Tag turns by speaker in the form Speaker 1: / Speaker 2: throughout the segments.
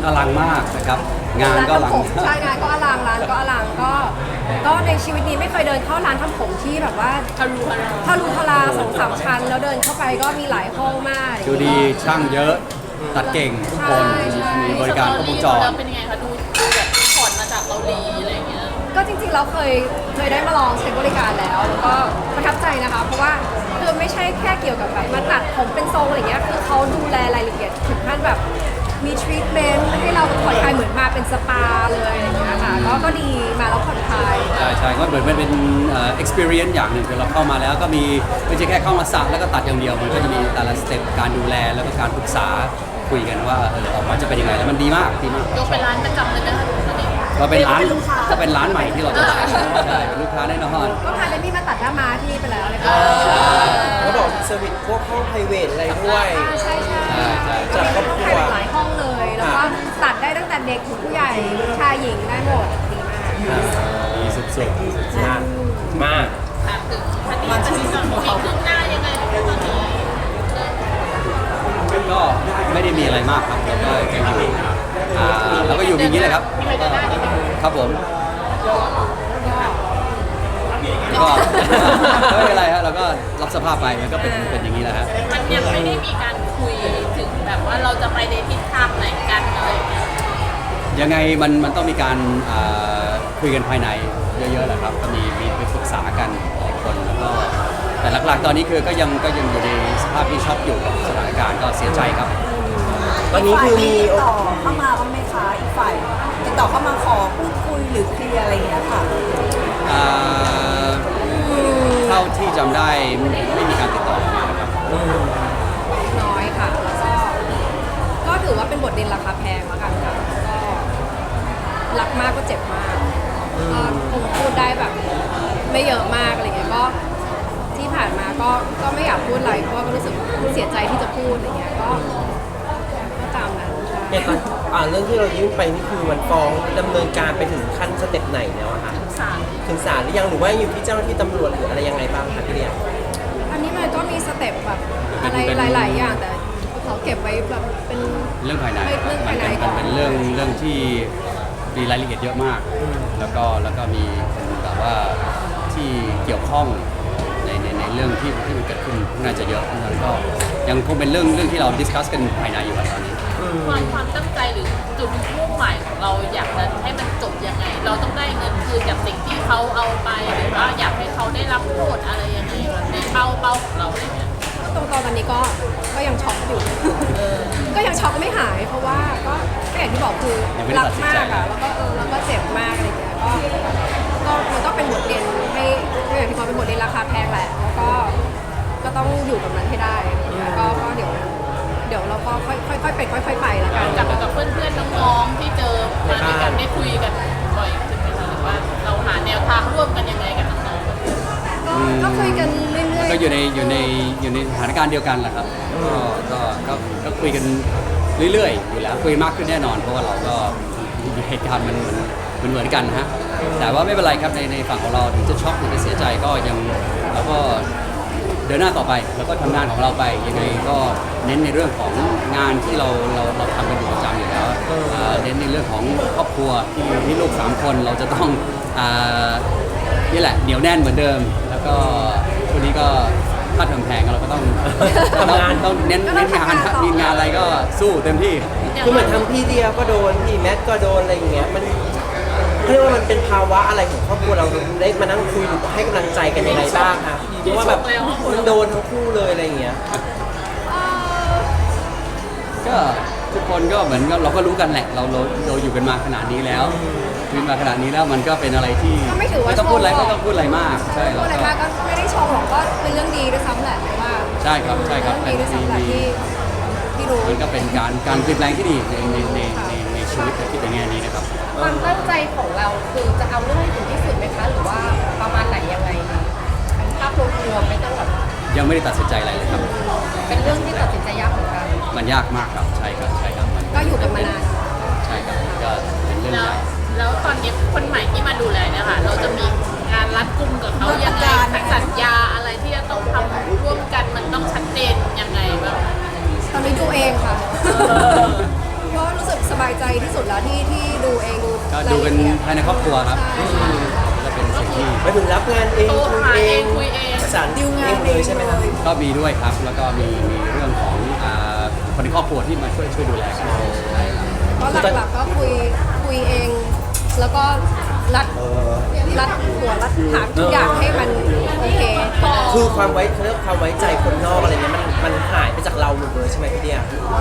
Speaker 1: อลังมากนะครับงานก็อลัง
Speaker 2: ใช่งานก็อลังร้านก็อลังก็ในชีวิตนี้ไม่เคยเดินเข้าร้านทำผมที่แบบว่าทะลุทะลาสองสามชั้นแล้วเดินเข้าไปก็มีหลายห้องมาก
Speaker 1: ดูดีช่างเยอะตัดเก่งทุกคน
Speaker 2: ใช่
Speaker 1: มีบริการครบวงจร
Speaker 3: แล้วเป็นยังไงคะดูแบบถอดมาจากเกาหลีอะไรอย่างเงี้ย
Speaker 2: ก็จริงๆเราเคยได้มาลองใช้บริการแล้วก็ประทับใจนะคะ เพราะว่าคือไม่ใช่แค่เกี่ยวกับแบบมาตัดผมเป็นทรงอะไรเงี้ยคือเขาดูแลรายละเอียดถึงขั้นแบบมีทรีทเมนต์ให้เราผ่อนคลายเหมือนมาเป็นสปาเลยอะไรอย่างเงี้ยค่ะก็ดีมาแล้วผ่อนคลาย
Speaker 1: ใช่ก็เหมือนมันเป็นexperience อย่างหนึ่งคือเราเข้ามาแล้วก็มีไม่ใช่แค่เข้ามาสระแล้วก็ตัดอย่างเดียวมันก็จะมีแต่ละสเต็ปการดูแลแล้วก็การปรึกษาคุยกันว่าออกมาจะเป็นยังไงแล้วมันดีมากดีมาก
Speaker 3: ยกเป็นร้านประจำเลยไหมคะตอนนี้
Speaker 1: ก็เป็นร้านก็เป็นร้านใหม่ที่เราจะใช่เป็นลูกค้าแน่นอน
Speaker 2: ก็พาเดมี่มาตัดหน้าม้าที่นี่ไปแล้วเลยค่ะ
Speaker 4: เขาบอกเซอร์วิสพวกห้องไพรเวทอะไรด้วย
Speaker 2: ใช่
Speaker 4: จัดครอบครัว
Speaker 2: หลายห้องเลย แล้วก็ตัดได้ตั้งแต่เด็กถึงผู้ใหญ่ชายหญิงได้หมดดีมาก
Speaker 1: ดีสุด
Speaker 4: นะมาก
Speaker 3: ถามถึงคดีก่อนมีคืบหน้ายังไงตอนนี้
Speaker 1: ๆก็ไม่ได้มีอะไรมากครับเราก็ยังอยู่เราก็อยู่อย่างนี้แหละครับ
Speaker 3: มีใครเดินหน้าดีไหม
Speaker 1: ครับผมก็ไม่เป็นไรฮะเราก็รับสภาพไปมันก็เป็นอย่างนี้แหละฮะ
Speaker 3: มันยังไม่ได้มีการคุยถึงแบบว่าเราจะไปในทิศทางไหนกันอะไรอย่างเงี้ย
Speaker 1: ยังไงมันต้องมีการคุยกันภายในเยอะๆแหละครับก็มีไปปรึกษากันหลายคนแล้วก็แต่หลักๆตอนนี้คือก็ยังอยู่ในสภาพที่ช็อกอยู่กับสถานการณ์ก็เสียใจครับ
Speaker 4: ตอนนี้คือมี
Speaker 5: ติดต่อเข้ามาบ้างไหมคะอีกฝ่ายติดต่อเข้ามาขอพูดคุยหรือเคลียร์อะไรอย่างเงี้ยค่ะ
Speaker 1: เท่าที่จำได้ไม่มีการติดต่อมานะครับ
Speaker 2: น้อยค่ะแล้วก็ถือว่าเป็นบทเรียนราคาแพงแล้วกันค่ะก็รักมากก็เจ็บมากก็คงพูดได้แบบไม่เยอะมากอะไรเงี้ยก็ที่ผ่านมาก็ไม่อยากพูดอะไรเพราะว่าก็รู้สึกเสียใจที่จะพูดอะไรเงี้ยก็ตามนั้นใช่
Speaker 4: เนี่ยตอนเรื่องที่เรายื่นไปนี่คือมันฟ้องดำเนินการไปถึงขั้นสเต็ปไหนแล้วอะคะ
Speaker 3: ศาล
Speaker 4: ถึงศาลหรือยังหรือว่าอยู่ที่เจ้าหน้าที่ตำรวจหรืออะไรยังไงบ้างคะพี่เรียน
Speaker 2: อันนี้มันก็มีสเต็ปแบบอะไรหลาย ๆ อย่างแต่เขาเก็บไว้แบบเป็น
Speaker 1: เรื่องภายใน
Speaker 2: เรื่องภายใน
Speaker 1: มันเป็นเรื่องที่มีรายละเอียดเยอะมาก แล้วก็มีคนแบบว่าที่เกี่ยวข้องในเรื่องที่มันเกิดขึ้นน่าจะเยอะแล้วก็ยังคงเป็นเรื่องที่เราดิสคัสกันภายในอยู่อะตอนนี้
Speaker 3: ความตั้งใจหรือจุดมุ่งหมายของเราอยากจะให้มันจบยังไง เราต้องได้เงินคืนจากสิ่งที่เขาเอาไปหรือว่าอยากให้เขาได้รับโทษอะไรยังไงแบบในเป้าของเราอะไรเงี้ย
Speaker 2: ตรงตอนนี้ก็ยังช็อกอยู่ ก็ยังช็อกไม่หาย เพราะว่าก็อย่างที่บอกคือ
Speaker 1: ยังไม่ได้
Speaker 2: รั
Speaker 1: ตัดสิน
Speaker 2: มา
Speaker 1: ใจ
Speaker 2: กอะแล้วก็เจ็บมากอะไรอย่างเงี้ยก็มันก็เป็นบทเรียนให้ก็อย่างที่บอกเป็นบทเรียนราคาแพงแหละแล้วก็ต้องอยู่กับมันให้ได้อะไรอย่างเงี้ยก็เดี๋ยวเราก็ค่อยๆเป็นค่อยๆไปแล้วกัน
Speaker 3: กับเพื่อนๆน้องๆที่เจอมาด้วยกันได้คุยกันบ่อยขึ้นไหมคะหรือว่าเราหาแนวทางร่วมกันยังไงกับน้องๆ
Speaker 2: ก็คุยกันเรื่อยๆ
Speaker 1: ก็อยู่ในสถานการณ์เดียวกันแหละครับก็คุยกันเรื่อยๆอยู่แล้วคุยมากขึ้นแน่นอน เพราะว่าเราก็เหตุการณ์มันเหมือนกันนะฮะแต่ว่าไม่เป็นไรครับในฝั่งของเราถึงจะช็อกถึงจะเสียใจก็ยังเราก็เดินหน้าต่อไปแล้วก็ทำงานของเราไปยังไงก็เน้นในเรื่องของงานที่เราทำกันอยู่ประจำอยู่แล้วเน้นในเรื่องของครอบครัวที่ลูก3คนเราจะต้องนี่แหละเหนียวแน่นเหมือนเดิม แล้วก็คนนี้ก็ค่าเทอมแพงเราก็ต้อง
Speaker 4: ทำงาน
Speaker 1: ต้องเน้นงานมีงานอะไรก็สู้เต็มที่
Speaker 4: คือเหมือนทั้งพี่เดียก็โดนพี่แมทก็โดนอะไรอย่างเงี้ยมันเขาเรียกว่ามันเป็นภาวะอะไรของครอบครัวเราได้มานั่งคุยหรือให้กำลังใจกันยังไงบ้างคะเพราะว่าแบบมันโดนทั้งคู่เลยอะไรอย่างเงี้ย
Speaker 1: ก็ทุกคนก็เหมือนกับเราก็รู้กันแหละเราอยู่กันมาขนาดนี้แล้วชีวิตมาขนาดนี้แล้วมันก็เป็นอะไรที่
Speaker 2: ก็ไม่ถือว่า
Speaker 1: ไม่ต้องพูดอะไร
Speaker 2: ชมหรอก
Speaker 1: ไม่ต้องพูดอะไรมากใช่
Speaker 2: พูดอะไรมากก็ไม่ได้ชมหรอกก็เป็นเรื่องดีด้วยซ้ำแหละว่า
Speaker 1: ใช่ครับ
Speaker 2: เรื่องดีด้วยซ้ำแหละที่รู้
Speaker 1: มันก็เป็นการเปลี่ยนแปลงที่ดีในชีวิตคิดในแง่นี้นะครับ
Speaker 6: ความตั้งใจของเราคือจะเอาเรื่องให้ถึงที่สุดไหมคะ หรือว่าประมาณไหนยังไงคะเป็นภาพรวมๆไม่ต้องแบบ
Speaker 1: ยังไม่ได้ตัดสินใจอะไรเลยครับ
Speaker 6: เป็นเรื่องที่ตัดสินใจยากเหมือนกัน
Speaker 1: มันยากมากครับใช่ครับมัน
Speaker 2: ก็อยู่กันมานาน
Speaker 1: ใช่ครับก็เป็นเรื่อง
Speaker 3: แล้ว
Speaker 1: ใหญ่
Speaker 3: แล้วตอนนี้คนใหม่ที่มาดูแลเนี่ยค่ะ เราจะมีงานรัดกุมกับเขายังไงสัญญาอะไรที่จะต้องทำร่วมกันมันต้องชัดเจนยังไงบ้าง
Speaker 2: ตอนนี้ดูเองค่ะก็รู้สึกสบายใจที่สุดแล้วที่ดูเอง
Speaker 1: ก็ดูเป็นภายในครอบครัวครับ
Speaker 2: ใช่
Speaker 1: จะเป็นสิ่งที่
Speaker 4: ไปถึงรับงานเอง
Speaker 3: โทร
Speaker 4: คุย
Speaker 3: หา
Speaker 4: เอ
Speaker 3: เอง งคุยเอง
Speaker 4: ประสาน
Speaker 5: ดิวงาน
Speaker 4: เองเลยใช่ไหมครับ
Speaker 1: ก็มีด้วยครับ แล้วก็มีเรื่องของคนในครอบครัวที่มาช่วยดูแลกันใช่ครับ
Speaker 2: เพราะหลักๆก็คุยเอง แล้วก็รัดหัวรัดหางทุกอย่างให้มันโอเคพอ
Speaker 4: คือความไว้เขาเรียกความไว้ใจคนนอกอะไรเงี้ยมันหายไปจากเราหมดเลยใช่ไหมพี่เดีย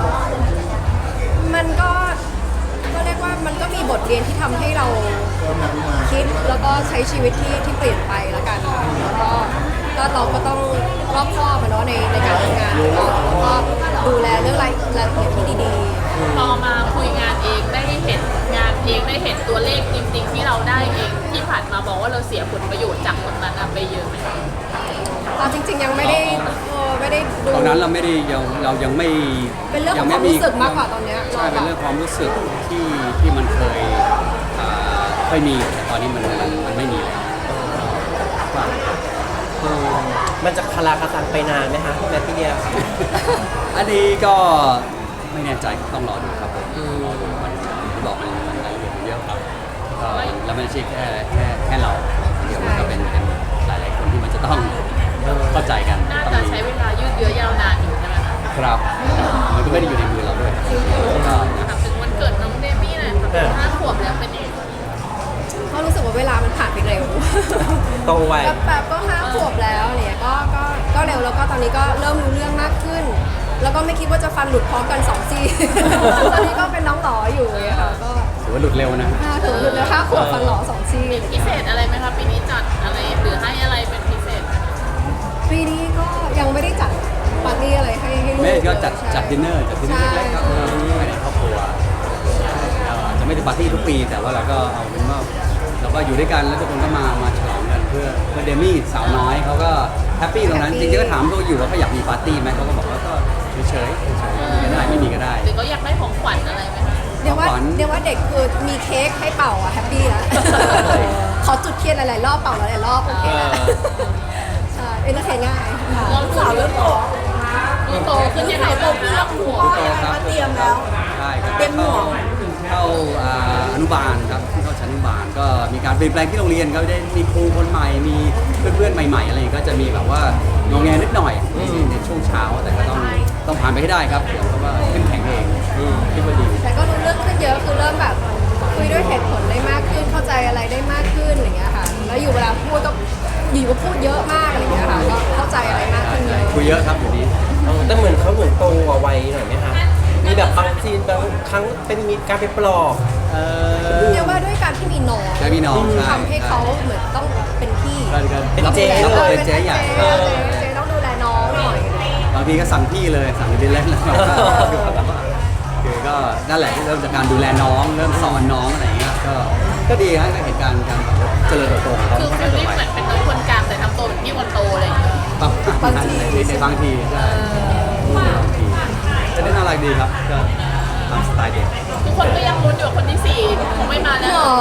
Speaker 2: มันก็เรียกว่ามันก็มีบทเรียนที่ทำให้เราคิดแล้วก็ใช้ชีวิตที่เปลี่ยนไปแล้วกันค่ะแล้วก็เราก็ต้องรอบคอบอะเนาะในการทำงานแล้วก็ดูแลเรื่องรายละเอียดที่ดี
Speaker 3: พอมาคุยงานเองได้เห็นงานเองได้เห็นตัวเลขจริงๆที่เราได้เองที่ผ่านมาบอกว่าเราเสียผลประโยชน์จากตรงนั้นไปเยอะไหม
Speaker 2: ๆเราจริงๆยังไม่ได้ดู
Speaker 1: ตอนนั้นเราไม่ได้เรายังไม่
Speaker 2: เป็นเรื่องของความรู้สึกมากกว่าตอนเนี้ย
Speaker 1: ใช่เป็นเรื่องความรู้สึกที่มันเคยมีแต่ตอนนี้มันไม่มีแล้วครับ
Speaker 4: มันจะคาราคาซังไปนานไหมคะแม่พี่เดีย
Speaker 1: อันนี้ก็ไม่แน่ใจต้องรอดูครับผมรอดูมันบอกมันรายละเอียดมันเยอะครับก็แล้วไม่ใช่แค่เราเดี๋ยวมันก็เป็นหลายๆคนที่มันจะต้องเข้าใจกัน
Speaker 3: น่า
Speaker 1: ต้อง
Speaker 3: จะ
Speaker 1: มี
Speaker 3: ใช้เวลายืดเยื้อยาวนานอยู่ใช่ไหมคะ
Speaker 1: ครับ มันก็ไม่ได้อยู่ในมือเราด้วยก็
Speaker 3: ถามถึงวันเกิดน้องเดมี่หน่อยค่ะ5 ขวบแล้วเป็นยังไง
Speaker 2: ก็รู้สึกว่าเวลามันผ่านไปเร็ว
Speaker 4: โตไว
Speaker 2: แป๊บๆก็5 ขวบแล้วเนี่ยก็เร็วแล้วก็ตอนนี้ก็เริ่มรู้เรื่องมากขึ้น แล้วก็ไม่คิดว่าจะฟันหลุดพร้อมกัน2 ซี่ ตอนนี้ก็เป็นน้องหลออยู่เนี่ยค่ะก็
Speaker 1: ถือว่าหลุดเร็วนะ
Speaker 2: ถือหลุดแล้ว5 ขวบฟันหลอ2 ซี่
Speaker 3: มีพิเศษอะไรไหมคะปีนี้จัดอะไรหรือให้อะไรเป็นพิเศษไหมคะ
Speaker 2: ปีนี้ก็ยังไม่ได้จัดปาร์ตี้อะไรให้ลูก
Speaker 1: แม่ก็จัด
Speaker 2: ใช่
Speaker 1: ดินเนอร์เล็กๆครับภายในครอบครัวอาจจะไม่ได้ปาร์ตี้ทุกปี แต่ว่าเราก็เอาเป็นว่าเราก็อยู่ด้วยกันแล้วทุกคนก็มาฉลองกันเพื่อเดมี่สาวน้อยเขาก็แฮปปี้ตรงนั้นจริงๆก็ถามเขาอยู่ว่าเขาอยากมีปาร์ตี้ไหมเขาก็บอกว่าก็เฉยๆมีก็ได้ไม่มีก็ได้
Speaker 3: หรือก็อยากได้ของขวัญอะไรไหมคะ
Speaker 2: เดี๋ยวว่า
Speaker 1: ขวัญ
Speaker 2: เด็กคือมีเค้กให้เป่าอะแฮปปี้แล้วขอจุดเทียนหลายๆรอบเป่าหลายๆรอบโอเคแล้วใช่เอนเตอร์เทนง่าย
Speaker 3: ลองสาวเริ่มโตดูโตขึ้นยังไงบ้างคะหัว
Speaker 5: พ่อยังไงมาเตรียมแล้ว
Speaker 1: ใช่ครับ
Speaker 5: เต็มหมวก
Speaker 1: เข้าอนุบาลครับเข้าชั้นอนุบาลก็มีการเปลี่ยนแปลงที่โรงเรียนก็ได้มีครูคนใหม่มีเพื่อนๆใหม่ๆอะไรอย่างเงี้ยก็จะมีแบบว่างงแงนิดหน่อยในช่วงเช้าแต่ก็ต้องผ่านไปให้ได้ครับเพราะว่าเข้มแข็งเองคิดว่าดี
Speaker 2: แต่ก็รู้เรื่องขึ้นเยอะคือเริ่มแบบคุยด้วยเหตุผลได้มากขึ้นเข้าใจอะไรได้มากขึ้นอะไรอย่างเงี้ยค่ะแล้วอยู่เวลาพูดก็อยู่ก็พูดเยอะมากอะไรอย่างเงี้ยค่ะก็เข้าใจอะไรมากขึ้นเยอะ
Speaker 1: คุยเยอะครับอยู่นี้
Speaker 4: แต่เหมือนเขาเหมือนโตกว่าวัยหน่อยไหมคะมีแบบบางซีนบางครั้งเป็นมีการไปปลอบ
Speaker 2: เรียกว่าด้วยการที่มีน้อง
Speaker 1: ได้พี่น้องใช่
Speaker 2: ทำให้เขาเหมือนต้องเป็นพี่
Speaker 1: เป็นเจ๊
Speaker 2: ต้องดูแล
Speaker 1: เป็นเจ๊ใหญ่
Speaker 2: เจ๊ต้องดูแลน้องหน่อย
Speaker 1: บางทีก็สั่งพี่เลยสั่งไปเล่นแล้วคือก็นั่นแหละที่เริ่มจากการดูแลน้องเริ่มสอนน้องอะไรอย่างเงี้ยก็ดีครับในเหตุการณ์การเจริญเติบโตของเขา
Speaker 3: คือฟิลลิ่งเหมือนเป็นน้องคนกลางแต่ทำตัวเป็นพี่คนโตอะไรอย่างเงี้ย
Speaker 1: บางทีในบางทีใช่จะได้น่ารักดีครับก็ตามสไตล์เด็ก
Speaker 3: ทุกคนก็ยังลุ้นอยู่ว่าคนที่4คงไม่มาแล้ว
Speaker 2: อ๋อ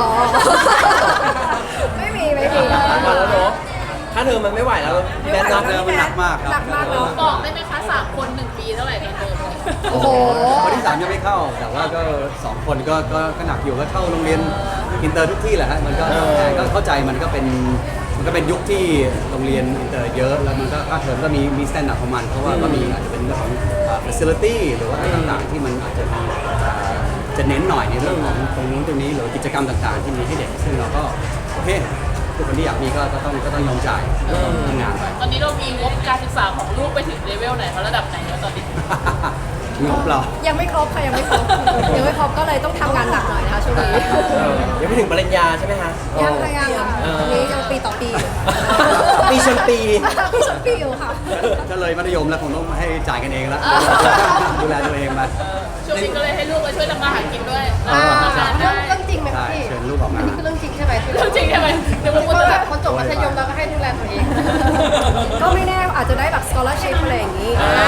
Speaker 2: ไม่มี
Speaker 4: มาแล้วเนาะถ้าเธอมันไม่ไหวแล้วแบท
Speaker 1: หนั
Speaker 4: นั
Speaker 1: ก
Speaker 4: บ
Speaker 1: เลยมันหนักมากครับ
Speaker 2: หนักมากเนาะ
Speaker 3: บอกได้ไหมคะ3 คน1 ปีเท่าไหร่ตอนเดิม
Speaker 2: โอ้โห
Speaker 1: คนที่3ยังไม่เข้า แต่ว่าก็2 คนก็หนักอยู่ก็เข้าโรงเรียนอินเตอร์ทุกที่แหละฮะมันก็เข้าใจมันก็เป็นยุคที่โรงเรียนอินเตอร์เยอะแล้วมันก็ค่าเทอมก็มีสแตนดาร์ดของมันเพราะว่าก็มีอาจจะเป็นเรื่องของ facility หรือว่าอะไรต่างๆที่มันอาจจะมีจะเน้นหน่อยในเรื่องของตรงนู้นตรงนี้หรือกิจกรรมต่างๆที่มีให้เด็กซึ่งเราก็โอเคทุกคนที่อยากมีก็ต้องยอมจ่ายทำงานไป
Speaker 3: ตอนนี้เรามีงบการศึกษาของลูกไปถึงเลเวลไหนคะระดับไหนแล้วตอนนี้
Speaker 1: งบเรา
Speaker 2: ยังไม่ครบค่ะยังไม่ครบก็เลยต้องทำงานหนักหน่อยนะคะช่วงนี้
Speaker 4: ยังไม่ถึงปริญญาใช่ไหมคะ
Speaker 2: ยังค่ะยังค่ะอันนี้ยังปีต่อปีอยู่
Speaker 4: ปีชนปี
Speaker 2: ปีชนปีอยู่ค่ะ
Speaker 1: ก็เลยมัธยมแล้วคงต้องให้จ่ายกันเองแล้วดูแลตัวเองไป
Speaker 3: ช่วงนี้ก็เลยให้ลูกมาช่วยทำมาหากินด้วย
Speaker 2: อ่า
Speaker 3: ทำงานได้
Speaker 6: เรื่องจริงไหม
Speaker 1: ใช่
Speaker 6: พี่
Speaker 1: เชิญลูกออก
Speaker 6: อั
Speaker 1: มา
Speaker 6: นนี้คือเรื่องจริงใช่ไหม
Speaker 3: เรื่องจริงใช่ไหมเดี๋ยว
Speaker 6: เพ
Speaker 3: พูด
Speaker 6: ราะ
Speaker 3: แบ
Speaker 6: แบบ บคนจบมัธยมแล้วก็ให้ดูแลตัวเอง
Speaker 2: ก็ไม่แน่อาจจะได้แบบ scholarship อะไรอย่างนี้
Speaker 3: อ่า